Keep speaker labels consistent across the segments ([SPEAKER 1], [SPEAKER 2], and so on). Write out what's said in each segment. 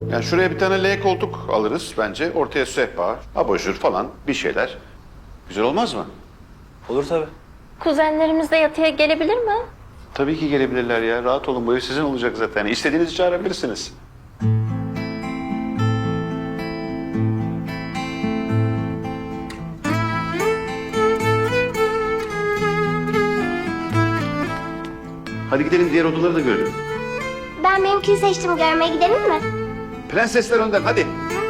[SPEAKER 1] Yani şuraya bir tane L koltuk alırız bence. Ortaya sehpa, abajur falan bir şeyler. Güzel olmaz mı?
[SPEAKER 2] Olur tabii.
[SPEAKER 3] Kuzenlerimiz de yatıya gelebilir mi?
[SPEAKER 1] Tabii ki gelebilirler ya. Rahat olun, bu ev sizin olacak zaten. İstediğinizi çağırabilirsiniz. Hadi gidelim, diğer odaları da görelim.
[SPEAKER 4] Ben benimkini seçtim. Görmeye gidelim mi?
[SPEAKER 1] Prensesler önden, hadi.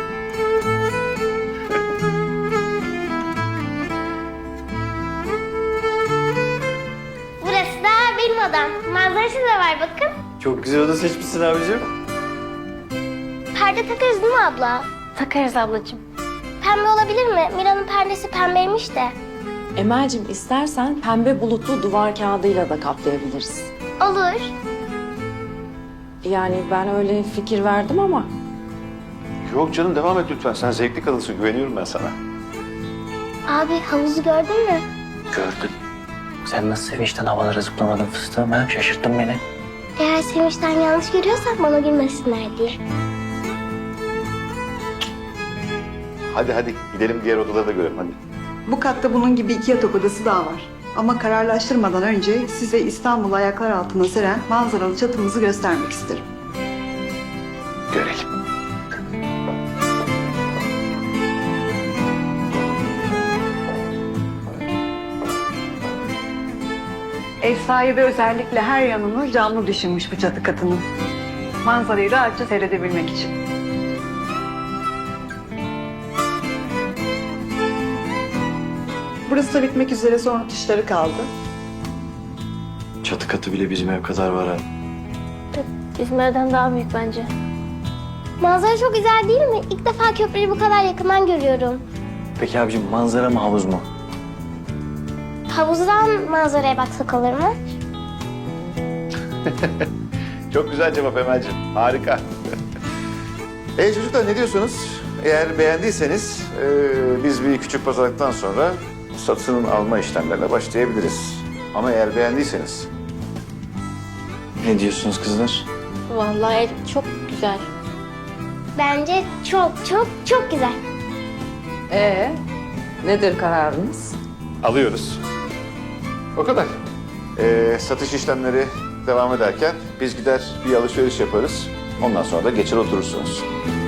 [SPEAKER 4] Burası da benim odam. Manzarası da var bakın.
[SPEAKER 2] Çok güzel oda seçmişsin abicim.
[SPEAKER 4] Perde takarız değil mi abla?
[SPEAKER 3] Takarız ablacığım.
[SPEAKER 4] Pembe olabilir mi? Mira'nın perdesi pembeymiş de.
[SPEAKER 5] Emel'cim istersen pembe bulutlu duvar kağıdıyla da kaplayabiliriz.
[SPEAKER 4] Olur.
[SPEAKER 5] Yani ben öyle fikir verdim ama
[SPEAKER 1] Yok canım, devam et lütfen. Sen zevkli kadınsın, güveniyorum ben sana.
[SPEAKER 4] Abi havuzu gördün mü?
[SPEAKER 2] Gördüm. Sen nasıl sevinçten havalara zıplamadın fıstığım ha? Şaşırttın beni.
[SPEAKER 4] Eğer sevinçten yanlış görüyorsak bana gülmesinler diye.
[SPEAKER 1] Hadi hadi gidelim, diğer odaları da görelim hadi.
[SPEAKER 6] Bu katta bunun gibi 2 yatak odası daha var. Ama kararlaştırmadan önce size İstanbul'u ayaklar altına seren manzaralı çatımızı göstermek isterim.
[SPEAKER 1] Görelim.
[SPEAKER 6] Ev sahibi özellikle her yanını camlı düşünmüş bu çatı katının. Manzarayı rahatça seyredebilmek için. Burası da bitmek üzere, son rötuşları kaldı.
[SPEAKER 2] Çatı katı bile bizim ev kadar var ha.
[SPEAKER 3] Bizim evden daha büyük bence.
[SPEAKER 4] Manzara çok güzel değil mi? İlk defa köprüyü bu kadar yakından görüyorum.
[SPEAKER 2] Peki abicim manzara mı havuz mu?
[SPEAKER 4] Havuzdan manzaraya baksak olur mu?
[SPEAKER 1] Çok güzel cevap Emel'ciğim. Harika. Çocuklar, ne diyorsunuz? Eğer beğendiyseniz biz bir küçük pazarlıktan sonra satın alma işlemlerine başlayabiliriz. Ama eğer beğendiyseniz...
[SPEAKER 2] Ne diyorsunuz kızlar?
[SPEAKER 3] Vallahi ev çok güzel.
[SPEAKER 4] Bence çok çok çok güzel.
[SPEAKER 5] nedir kararınız?
[SPEAKER 1] Alıyoruz. O kadar. Satış işlemleri devam ederken biz gider bir alışveriş yaparız. Ondan sonra da geçer oturursunuz.